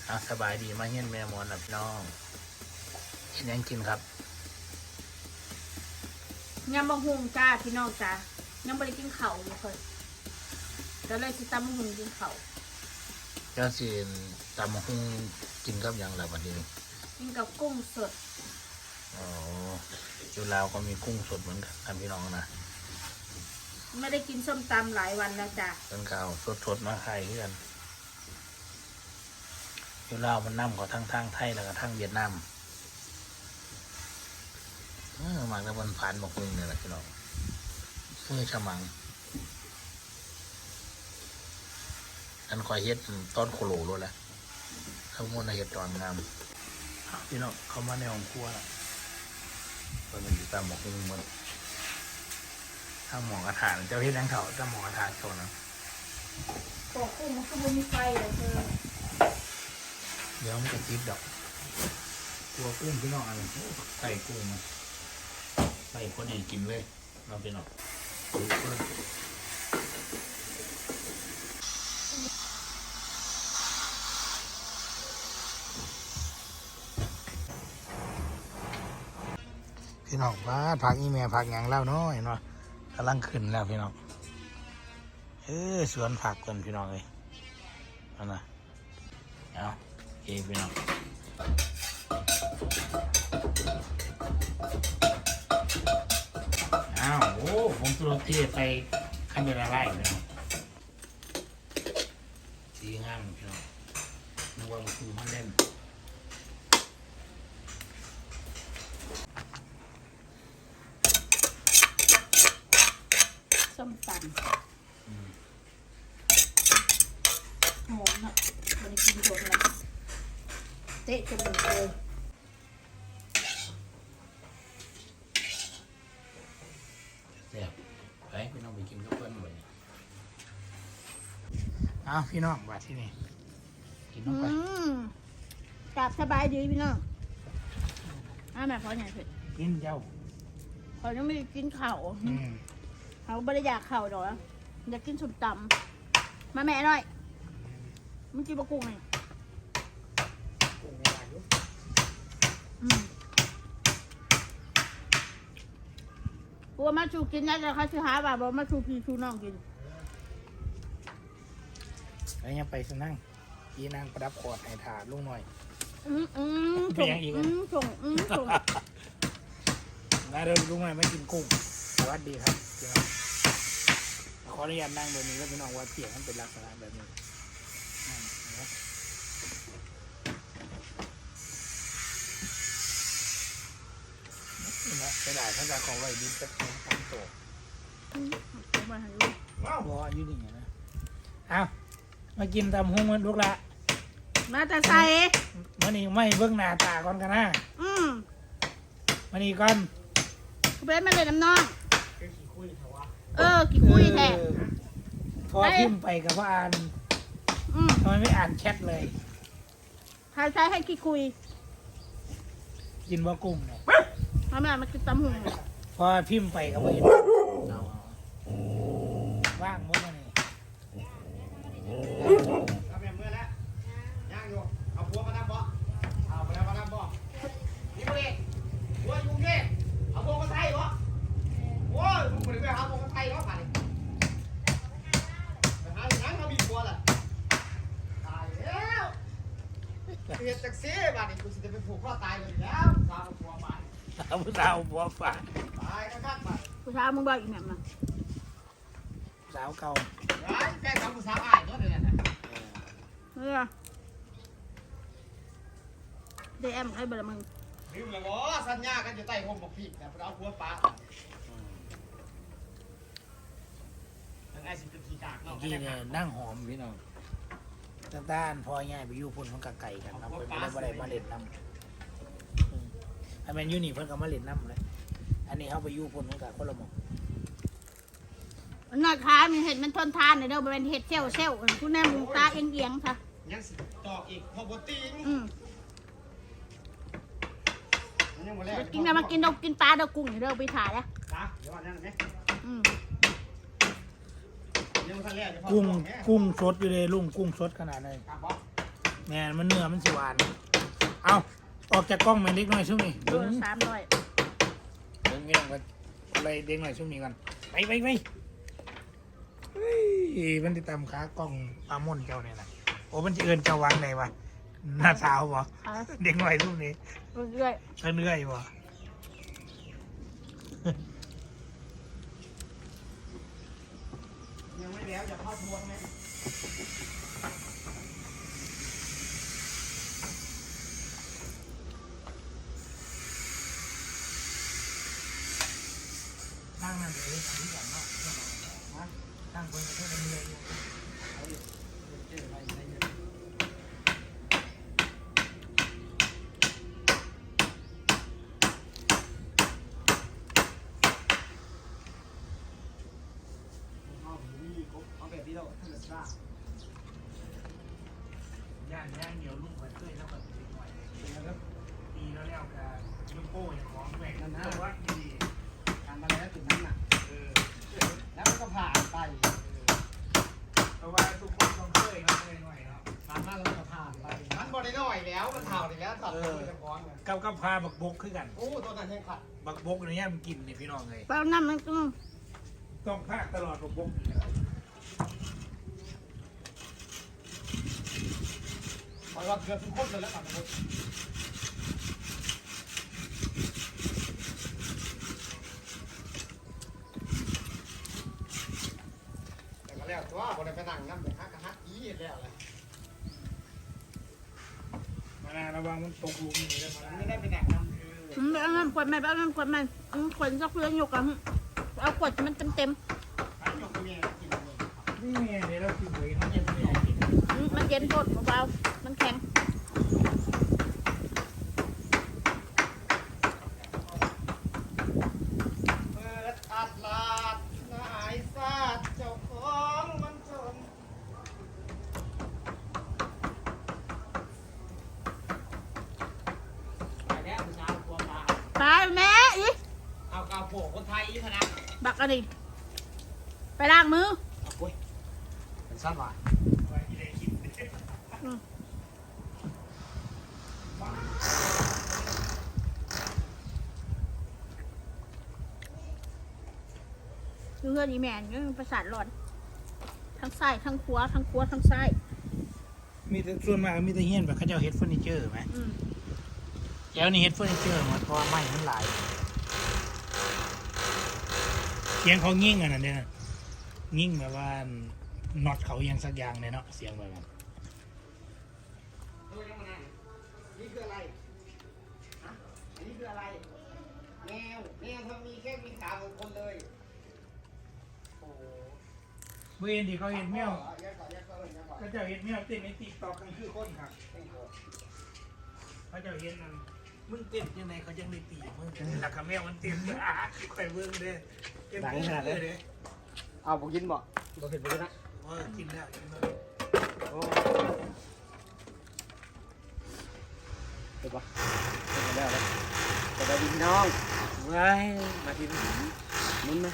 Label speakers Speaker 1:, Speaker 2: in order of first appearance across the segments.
Speaker 1: สบายดีมาเฮียนแม่มอนนะพี่น้องกินยังกินครับ
Speaker 2: ยังบะฮุงจ้าพี่น้องจ้ายังไม่ได้กินเข่าเลยคนก็เลยสิตำบะฮุงกินเข่า
Speaker 1: เจ้าสิตำหุ้งกินกับยังไรวันนี้
Speaker 2: กินกับกุ้งสด
Speaker 1: อ๋ออยู่ลาวก็มีกุ้งสดเหมือนกันพี่น้องนะ
Speaker 2: ไม่ได้กินส้มตำหลายวันแล้วจ้า
Speaker 1: เป็นข้าวสดมาขายกันอยู่ลาวมันน้ำของทั้งไทยแล้วก็ทั้งเวียดนามมาแล้วมันผ่านบอกมึงเนี่ยแหละพี่น้องเมื่อฉมังอันคอยเฮ็ดต้นโคโลด้วยแหละทั้งหมดในเฮ็ดตอนงามพี่น้องเขามาในห้องครัวละมันอยู่ตามบอกมึงมันถ้าหมอกระถางเจ้าเฮ็ดยังเถาถ้าหมอกระถางโชว์นะ
Speaker 2: ปอกกุ้งมันก็ไม่มีไฟเลยเธอ
Speaker 1: เดี๋ยวมันจะติดดอกตัวกุ้งพี่น้องอะไรใส่กุ้งมาใส่คนอื่นกินเลยเราพี่น้องดูเพื่อนพี่น้องบ้าผักอีเมลผักอย่างเล่าน้อยเนาะกำลังขึ้นแล้วพี่น้องสวนผักกันพี่น้องเลยเอานะเอาโอเคพี่น้องอ้าวโอ้ผมตัวเทไปขั้นเป็นอะไรพี่น้องสีงามพี่น้องนึกว่ามันคือมันเล่น
Speaker 2: ส้มตำหอมเนาะไม่ได้กินโดนเลยเตะจมูกเลย
Speaker 1: แซ่บไปพี่น้องไปกินกับเพื่อนบ่อยอ้าวพี่น้องมาที่นี่กินน้องไป
Speaker 2: กลับสบายดีพี่น้องแม่พอใหญ่เผ็ด
Speaker 1: กินเจ้า
Speaker 2: พอยังไม่ได้กินข้าวเขาไม่ได้อยากข้าวดอกอยากกินส้มตำมาแม่หน่อยมึงกินบะกุ้งไงกลัวมาชูกินนะแต่เขาชื่อหาว่าบอกมาชูพี่ชูน้องกิน
Speaker 1: แล้วยังไปสนั่งกีนางประดับขอดให้ถาลุงหน่อย
Speaker 2: ส่งส่ง
Speaker 1: แล้วเดินลุงหน่อยไม่กินกุ้งสวัสดีครับพี่น้องขออนุญาตนั่งแบบนี้แล้วพี่น้องว่าเสียงมันเป็นลักษณะแบบนี้จะได้ถ้าจะของไว้ดีสักสองสามตัวรอยืดอย่างนี้นะเอามากินตำหุ้งมันลูกละ
Speaker 2: มาแต่ใส่
Speaker 1: มันนี่ไม่เบื้องหน้าตาก่อนกันนะมันนี่ก่อน
Speaker 2: กูเป็นมาเลยน้ำน้องกี่คุยแท้
Speaker 1: พอพิมพ์ไปกับว่าอ่านทำไมไม่อ่านแชทเลย
Speaker 2: ใช้ให้กี่คุย
Speaker 1: กินว่ากุ้งเนี่ย
Speaker 2: มากินตำหุ่ง
Speaker 1: พอพิมพ์ไปกับว่าเห็นว่างมั้งนี่
Speaker 3: ทำแบบเมื่อแล้วย่างอยู่เอาหัวมาทำบ่เอาไปแล้วมาทำบ่นี่พวกเองหัวยุ่งเงี้ยเอาหัวมาไทยบ่โอ้ยมึงไปหาหัวมาไทยบ่ผ่านไปหาอย่างนั้นเขามีหัวล่ะตายแล้วเรียนจากเสียบ้านนี่กูจะไปผูกข้อตายเลยแล้วสาวหัวมา
Speaker 1: เอาผู้สาวบัวฝาด
Speaker 3: ตายข้างๆไป
Speaker 2: ผู้สาวมึงบอกอีกแบบนั้น
Speaker 1: สาวเก่า
Speaker 3: แค่ทำผู้สาวอ้ายก็เลยนะ
Speaker 2: ได้แอมให้เบอร์มึง
Speaker 3: ลืมแล้วบ่สัญญากันอยู่ใต้ห่มบอกพี่แต่เอาหัวปลาทั้งไอ้สิบกีกากเนาะ
Speaker 1: ที่เนี่ยนั่งหอมพี่น้องต้านพอง่ายไปยู่พุ่นมันกับไก่กันนะเพิ่นไม่ได้มาเล่นน้ำอันนั้นยูนี่เพิ่นก็มาเล่นน้ำเลยอันนี้เขาไปยู่พุ่นมันกับคนละหมอง
Speaker 2: นอดขามีเห็ดมันทนทานเลยเด้อเป็นเห็ดเซลคุณแม่มึงตาเอียงค่ะ
Speaker 3: ยังสิต่ออีกพอบตีน
Speaker 2: กินอะไรมากินเรากินปลาเรากุ้งเด้อไปถ่ายแล้ว
Speaker 3: เดี๋ยวนั่นไหม
Speaker 1: กุ้งสดอยู่เลยลุงกุ้งสดขนาดไหนแม่มันเนื้อมันสิหวานเอาออกจากกล้องมาเล็กน้อยช่วงนี้
Speaker 2: โลละ300
Speaker 1: เรื่องเงี้ยกันอะไรเด็กหน่อยช่วงนี้กันไปเฮ้ยมันติดตามขากล้องปลาม่นเจ้าเนี่ยนะโอ้มันจะเอินเจ้าวางไหนวะหน้าสาวบ่
Speaker 2: ค่ะ
Speaker 1: เด็กหน่อยช่วงนี้
Speaker 2: เรื่อย
Speaker 1: เรื่อยบ่
Speaker 3: ยังไม่แล้วอย่าเข้าทวงนะ
Speaker 1: ตั้งนั่นเลยอันนี้ก่อนเนาะตั้งคนจะเท่าเรื่อยอยู่
Speaker 3: เอาแบบนี้เราถ้าเกิดว่า
Speaker 1: ย่างเดี๋ยวลูกมันเคยแล้วแบบติดหน่อยตีแล้วแล้วกับยูโป้อย่างของแหวกนั่นนะว่าดี
Speaker 3: ทำมาแล้วจุดนั้นน่ะ แล้วก็ผ่านไป
Speaker 1: เพราะว่าทุกคนต้องเคยครับเคยหน่อยเนาะ
Speaker 3: ผ่านมาแล้วก็ผ่านไปมันบริหน่อยแล้วมันเท่าอีกแล้วสัตว์มันจะฟ้องเลย
Speaker 1: กับพาบักบกคือกัน
Speaker 3: โอ้ตัวนั้นยังขัด
Speaker 1: บักบกเนี่ยมันกินเนี่ยพี่น้องเลย
Speaker 2: ๆแปลวน้ำมันก็
Speaker 1: ต้องพากตลอดบักบก
Speaker 3: เพราะว่าเกือบทุกคนเลยแล้วครับแต่ก็แล้วตัวคนไปนั่งน้ำเดือดฮักกะฮักอีแล้วเลย
Speaker 1: มานาระวังมันตกหลุมนี่แล้ว
Speaker 3: ไม่ได้ไปแดกน้ำคือ
Speaker 2: แปลวน้ำขวดใหม่แปลวน้ำขวดใหม่ขวดสักเพื่อนอยู่กับเอาขวดมันเต็ม
Speaker 3: อันนี้ก็มีกินเลย
Speaker 1: นี่ไงเดี๋ยวเรากินเลยเขาจะไม่ได้กิน
Speaker 2: ๆมันเย็นโทษเบาๆมันแข็ง
Speaker 3: เปิดอัดลาดนายซาดเจ้าของมันจนไปแล้วผู้ชายกลัวมา
Speaker 2: ตายแม่อี
Speaker 3: เอากาวโผล่คนไทยยี่ขนาด
Speaker 2: บักอันนี้ไปล้างมือ
Speaker 3: เอาปุ้ยเป็นสั้นว่ะ
Speaker 1: ไว้ที่ได้กิน
Speaker 2: เพื่อนอีแมนก็ประสาทหลอนทั้งซ้ายทั้งขวาทั้งขวาทั้งซ้าย
Speaker 1: มีแต่ส่วนมากมีแต่เฮียนแบบเขาเจ้าเฮ็ดเฟอร์นิเจอร์ไหม
Speaker 2: อืม
Speaker 1: แล้วนี่เฮ็ดเฟอร์นิเจอร์หมดเพราะว่าไม้มันหลายเสียงเขางิ่งอันนั้นเนี่ยงิ่งแบบว่าน็อตเขาอยังสักอย่างเลยเนาะเสียงแบบนั้น
Speaker 3: ดูยังมานั่งนี่คืออะไรฮะอันนี้คืออะไรแมวเขามีแค่มีขาของคนเลยโอ้
Speaker 1: เมื่อเห็นที่เขาเห็นแมว
Speaker 3: ยักษ์ก่อนยักษ์ก่อนยักษ์ก่อน
Speaker 1: เขาเจ้าเห็นแมวเต้นในติ๊กต็อกกันคือคนครับเขาเจ้าเห็นนั่นมึงเต้นยังไงเขายังได้ตีมึงหลักกับแมวมันเต้นค่อยเบิ่งเด้อเต้นเด้อ
Speaker 3: เอาผมกินบ่บ่เผ็ดบ่นะ
Speaker 1: กินได้กินได้
Speaker 3: โอ้เผ็ดปะเผ็ดแล้วเลยสวัสดีพี่น้องว้ายมาทีนี้มุนไหม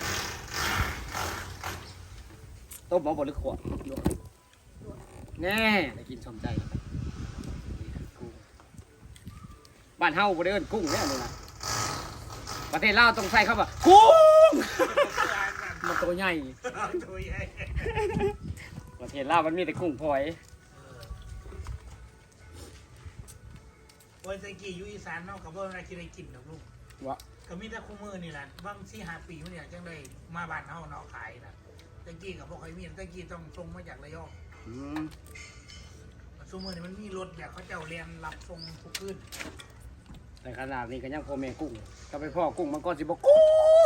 Speaker 3: ต้มหม้อบดหรือขวดแน่ได้กินสมใจกุ้งบ้านเฮาบ่ได้เอิ้นกุ้งแน่เลยนะประเทศลาวต้องใส่เข้าว่ากุ้งมันตัวใหญ่
Speaker 1: ตัวใหญ่
Speaker 3: ประเทศลาวมันมีแต่กุ้งพลอย
Speaker 1: วันตะกี้อยู่อีสานเนาะกับว่าอะไรกินได้กินดอกลูก
Speaker 3: วะ
Speaker 1: ก็มีแต่คู่มือนี่แหละบาง4-5 ปีมาเนี่ยจังได้มาบ้านเฮาเนาะขายนะตะกี้กับพวกใครมีตะกี้ต้องส่งมาจากระยอง
Speaker 3: อืม
Speaker 1: ซุมือนี่มันมีรถแบบเขาเจ้าเรียนรับส่งทุกคืน
Speaker 3: แต่ขนาดนี้ก็ยังพ่อแม่กุ้งก็ไปพ่อกุ้งมันก็สิบอกกุ้ง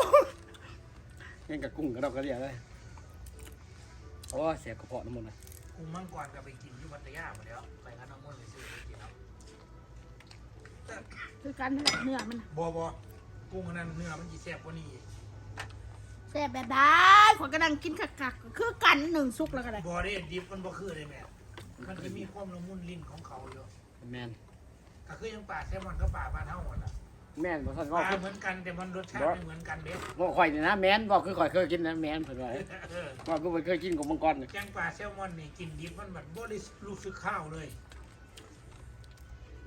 Speaker 3: ยังกับกุ้งกระดอกกระเดียเลยโอ้เสียกระเพาะน้ำมันเลย
Speaker 1: กุ้งมังกรก็ไปกินอยู่พัทยาหมดแล้วไปกันน้ำมันไปซื้อไปกินแล้ว
Speaker 2: คือการเนื้อมัน
Speaker 1: บ่กุ้งอันนั้นเนื้อมันจีแซ่บกว่านี้อีก
Speaker 2: แซ่บแบบได้ขวดกระดังกินคักๆคือกันหนึ่งซุกแล้วก็ได้
Speaker 1: บ่ได้ดิบมันบ่คือเลยแม่มันจะมีความละมุนลิ้นของเขาอยู่
Speaker 3: แมน
Speaker 1: ก็คือยังป่าแซลมอนก็ป่าบ้านเฮาหมดอ่ะ
Speaker 3: แมนบอกท่าน
Speaker 1: ป
Speaker 3: ว่า
Speaker 1: ลาเหมือนกันแต่มันรสชาติไม่เหมือนกันเด้
Speaker 3: ว่าข่อยนี่นะแมนบอกคือข่อยเคยกินนะแมนเผื่อไว้
Speaker 1: เออ
Speaker 3: ว่ากูไม่เคยกินของมังกรเลย
Speaker 1: แกงป่าแซลมอนนี่กินดิบมันแบบบ่ได้รู้สึกข้าวเลย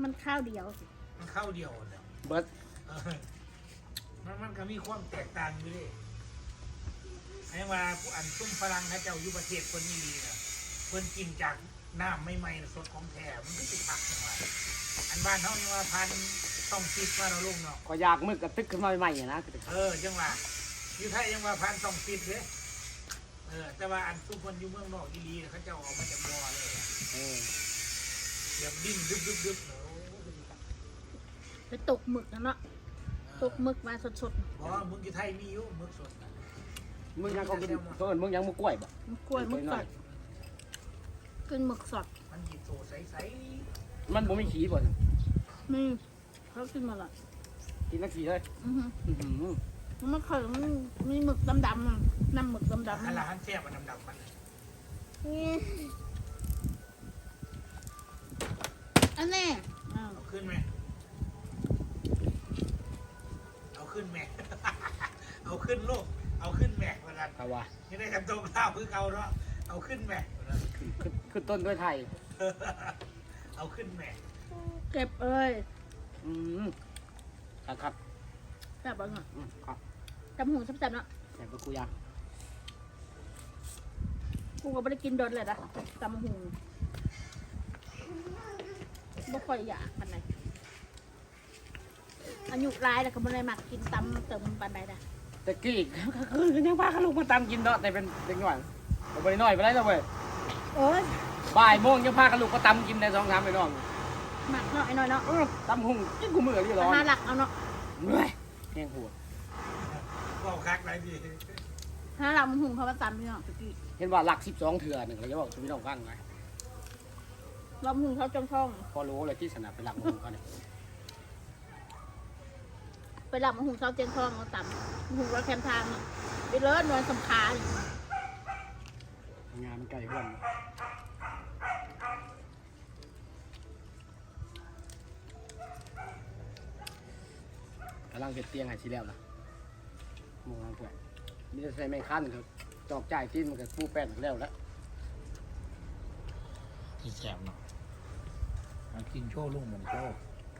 Speaker 2: มันข้าวเดียวสิ
Speaker 1: มันเข้าเดียวเนี่ย
Speaker 4: เบิร์ด
Speaker 1: เออมันก็มีความแตกต่างอยู่ดิไอ้ว่าผู้อันซุ่มฝรั่งนะเจ้าอยู่ประเทศคนนี้ดีนะเพิ่นกินจากน้ำไม่ไหม้สดของแท้มันก็ติดผักจังหวะอันบ้านเขานี่ว่าพันต้องคิดว่าเราลุงเนาะ
Speaker 4: ก็อยากมึกกระตึกขึ้นมาใหม่ๆนะ
Speaker 1: จังหวะอยู่ไทยยังว่าพันต้องคิดเลยแต่ว่าอันซุ่มคนอยู่เมืองนอกอีลีเขาเจ้าออกมาจากบ่อเลยอะ
Speaker 4: เออ
Speaker 1: เดี๋ยวดิ้นดึบเนาะ
Speaker 2: ไปตกหมึกนะเนาะตกหมึกมาสด
Speaker 1: บ่มึงอยู่ไทยมีอยู่มึกสดนะ
Speaker 4: มึงยังเขากินเพิ่นมึงยังมึกกล้วยบ่
Speaker 2: ๆมันกล้วยหมึกสดกินหมึกสด
Speaker 1: มันหยิบโซใส
Speaker 4: มันบ่มีขี้บ่
Speaker 2: นี่เขากินมาละ
Speaker 4: กินนักขี้เลย
Speaker 2: อือฮึ
Speaker 4: อื้อหือ
Speaker 2: มันไม่เคยมันมีหมึกดำๆอะน้ำหมึกดำ
Speaker 1: ๆ
Speaker 2: ๆ
Speaker 1: อันละหันแซ่บมันดำๆมัน
Speaker 2: อันแน่อ้าว
Speaker 1: เอาขึ้นไหมเอาขึ้นแม่ เอาขึ้นลูกเอาขึ้นแม่วันนั้น
Speaker 4: เอาว่า
Speaker 1: นี่ได้กันตรงข้าวคือเอาเนาะเอาขึ้นแม่วันนั้น
Speaker 4: ขึ้นต้นด้วยไทย
Speaker 1: เอาขึ้นแม่
Speaker 2: เก็บเอ้ย
Speaker 4: อืมครับ
Speaker 2: แบบว่าไง
Speaker 4: ครับ
Speaker 2: จำหูแซ่บๆเนาะ
Speaker 4: แต่ก็กูอยาก
Speaker 2: กูก็ไม่ได้กินโดนเลยนะจำหูไม่ค่อยอยากปันไหนอายุร้ายแล้วก็ไม่ได้มักกินตำเติมปันไหนนะ
Speaker 4: แต่กี้ก็คือยังพาลูกมาตามกินเนาะแต่เป็นเด็กหน่อยบ่ได้น้อยไปได้แล้วเว้ย
Speaker 2: โอ้ย
Speaker 4: บ่ายโมงยังพาลูกมาตามกินได้2-3ไปน้อง
Speaker 2: หมักเนาะไอ้น้อยเนาะ
Speaker 4: ตำหุ่งกินกูมื้ออยู่ร้อน
Speaker 2: หาหลักเอาเนาะ
Speaker 4: เมื่อยแห้งหัว
Speaker 1: ก็คักไรดี
Speaker 2: หาหลักมันหุงเขามาตำพี่น้องตะกี้
Speaker 4: เห็นว่าหลัก12เถื่อนึงก็จะบอกชีวิตน้องฟังไง
Speaker 2: เราหุงเขาจ้อง
Speaker 4: พอรู้เลยที่สนามไปหลักหุ่งเขาเนี่ย
Speaker 2: ๆไปหลักมันหุงเขาเจนช่องเขาตำหุงเราแคมทางเนี่ยไปเลิศนวลสำคัญ
Speaker 4: งานมันไกลเพื่อนกำลังเก็บเตียงให้ชีแล้วนะมองทางเพื่อนมีแต่ใส่ไม้คันครับจอกจ่ายที่มันก็ปูแป้นแล้วแล้ว
Speaker 1: ที่แซ่บเนาะมากินโชว์ลุงเหมือนโชว์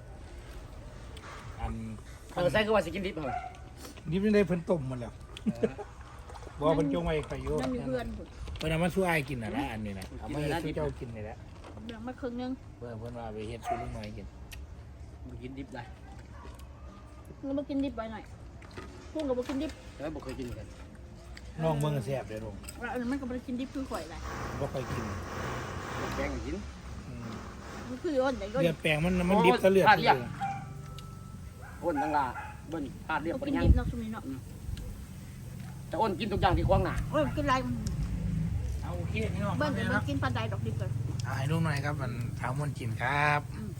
Speaker 1: อัน
Speaker 4: ใส่คือว่าสิกินดิบเหรอ
Speaker 1: นี่ไม่ได้เพิ่นต้มมันแล้วบอกเพิ่นจงไว้ใครอยู่
Speaker 2: นั่นอยู่เพื่อนผม
Speaker 1: เพิ่นเอามาช่วยกินน่ะนะอันนี้นะเอามาเฮ็ดให้เจ้ากินนี่แหละ
Speaker 2: แบ่งมาครึ่งนึง
Speaker 1: เพิ่นว่าไปเฮ็ดสู้ลุงน้อยกิน
Speaker 4: มันกินดิบได้
Speaker 2: เรามากินดิบไปหน่อยพุ่งกับมากินดิบ
Speaker 4: แต่ว่าบ่เคยกินกัน
Speaker 1: น้องเมืองแซ่บเลยลุง
Speaker 2: แล้วอันนั้นมันก็มากินดิบคือข่อยแหละ
Speaker 1: บ่ค่อยกิน
Speaker 4: แกงก็กิน
Speaker 1: อืม
Speaker 2: มันคือย้อนไหนก็
Speaker 1: เลือดแปลงมันดิบซะเลือดเลย
Speaker 4: อ้นทั้งลาเบิ้ลพลาดเรียบ
Speaker 2: มา
Speaker 4: ป
Speaker 2: กิ
Speaker 4: ริ
Speaker 2: น
Speaker 4: ยัง
Speaker 2: ดิบเนาะช่วงนี้เนาะ
Speaker 4: แต่อ้นกินทุกอย่างที่ขวางหน้า
Speaker 2: เออกินไร
Speaker 1: เอาโอเคพี่น้อง
Speaker 2: เบิ้ลแต่มันกินปลาไดดอกดิบเลย
Speaker 1: เอาให้ลุงหน่อยครับมันถามมันกินครับ
Speaker 2: อืม